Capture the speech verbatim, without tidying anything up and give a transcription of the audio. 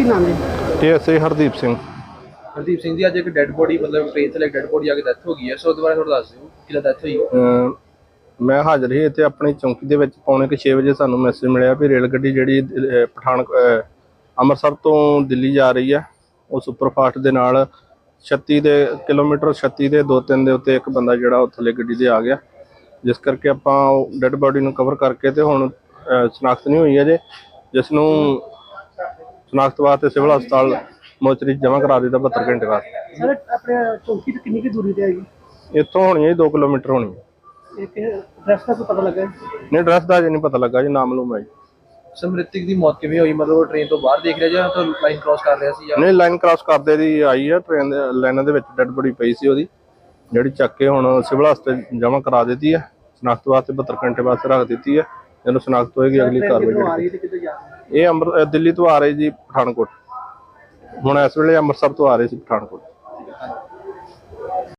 नाम है? ਇਹ ਐਸ ਆਈ ਹਰਦੀਪ ਸਿੰਘ। ਹਰਦੀਪ ਸਿੰਘ ਜੀ, ਅੱਜ ਇੱਕ ਡੈੱਡ ਬੋਡੀ ਮਤਲਬ ਟ੍ਰੇਨ ਥੱਲੇ ਡੈੱਡ ਬੋਡੀ ਆ ਕੇ ਡੈਥ ਹੋ ਗਈ ਹੈ, ਸੋ ਉਹਦੇ ਬਾਰੇ ਥੋੜਾ ਦੱਸ ਦਿਓ ਕਿਹਦਾ ਡੈਥ ਹੋਈ। ਅਮ ਮੈਂ ਹਾਜ਼ਰ ਸੀ ਇੱਥੇ ਆਪਣੀ ਚੌਂਕੀ ਦੇ ਵਿੱਚ। ਪੌਣੇ ਕੁ ਛੇ ਵਜੇ ਸਾਨੂੰ ਮੈਸੇਜ ਮਿਲਿਆ ਵੀ ਰੇਲ ਗੱਡੀ ਜਿਹੜੀ ਅਹ, ਪਠਾਨ ਅਹ, ਅੰਮ੍ਰਿਤਸਰ ਤੋਂ ਦਿੱਲੀ ਜਾ ਰਹੀ ਹੈ, ਉਹ ਸੁਪਰਫਾਸਟ ਦੇ ਨਾਲ ਛੱਤੀ ਦੇ ਕਿਲੋਮੀਟਰ ਛੱਤੀ ਦੇ ਦੋ ਤਿੰਨ ਦੇ ਉੱਤੇ ਇੱਕ ਬੰਦਾ ਜਿਹੜਾ ਉਹ ਥੱਲੇ ਗੱਡੀ ਦੇ ਆ ਗਿਆ, ਜਿਸ ਕਰਕੇ ਆਪਾਂ ਉਹ ਡੈੱਡ ਬੋਡੀ ਨੂੰ ਕਵਰ ਕਰਕੇ ਤੇ ਹੁਣ ਅਹ, ਸ਼ਨਾਖਤ ਨਹੀਂ ਹੋਈ ਅਜੇ, ਜਿਸ ਨੂੰ ਸ਼ਨਾਖਤ ਵਾਸਤੇ ਸਿਵਲ ਹਸਪਤਾਲ ਮੋਚਰੀ ਜਮ੍ਹਾਂ ਕਰਾ ਦਿੱਤਾ ਬਹੱਤਰ ਘੰਟੇ ਵਾਸਤੇ। सर अपने चौकी तो कितनी की दूरी पे आएगी? ਇੱਥੋਂ ਹੋਣੀ ਹੈ ਜੀ ਦੋ ਕਿਲੋਮੀਟਰ होनी है। एक एड्रेस का तो पता लगा है? नहीं एड्रैस का अजे नहीं पता लगा जी, नाम मालूम है जी। ਸਮ੍ਰਿਤਿਕ ਦੀ ਮੌਤ ਕਿਵੇਂ ਹੋਈ? ਮਤਲਬ ਉਹ ਟ੍ਰੇਨ ਤੋਂ ਬਾਹਰ ਦੇਖ ਰਿਹਾ ਜਾਂ ਤਾਂ ਲਾਈਨ ਕ੍ਰਾਸ ਕਰ ਰਿਹਾ ਸੀ ਜਾਂ नहीं लाइन क्रॉस करते दी आई है, ट्रेन लाइनों ਦੇ ਵਿੱਚ ਡੈਡ ਬੋਡੀ ਪਈ ਸੀ ਉਹਦੀ, ਜਿਹੜੀ ਚੱਕ ਕੇ ਹੁਣ ਸਿਵਲ ਹਸਪਤਾਲ ਜਮ੍ਹਾਂ ਕਰਾ ਦਿੱਤੀ ਹੈ। ਸ਼ਨਾਖਤ ਵਾਸਤੇ ਬਹੱਤਰ ਘੰਟੇ ਵਾਸਤੇ ਰੱਖ ਦਿੱਤੀ ਹੈ। ਜਦੋਂ ਸ਼ਨਾਖਤ ਹੋਏਗੀ ਅਗਲੀ ਕਾਰਵਾਈ आ रही ਜਿਹੜੀ। थी किधर जा रही है? ਇਹ ਅੰਮ੍ਰਿਤ ਦਿੱਲੀ ਤੋਂ ਆ ਰਹੇ ਜੀ ਪਠਾਨਕੋਟ, ਹੁਣ ਇਸ ਵੇਲੇ ਅੰਮ੍ਰਿਤਸਰ ਤੋਂ ਆ ਰਹੇ ਸੀ ਪਠਾਨਕੋਟ।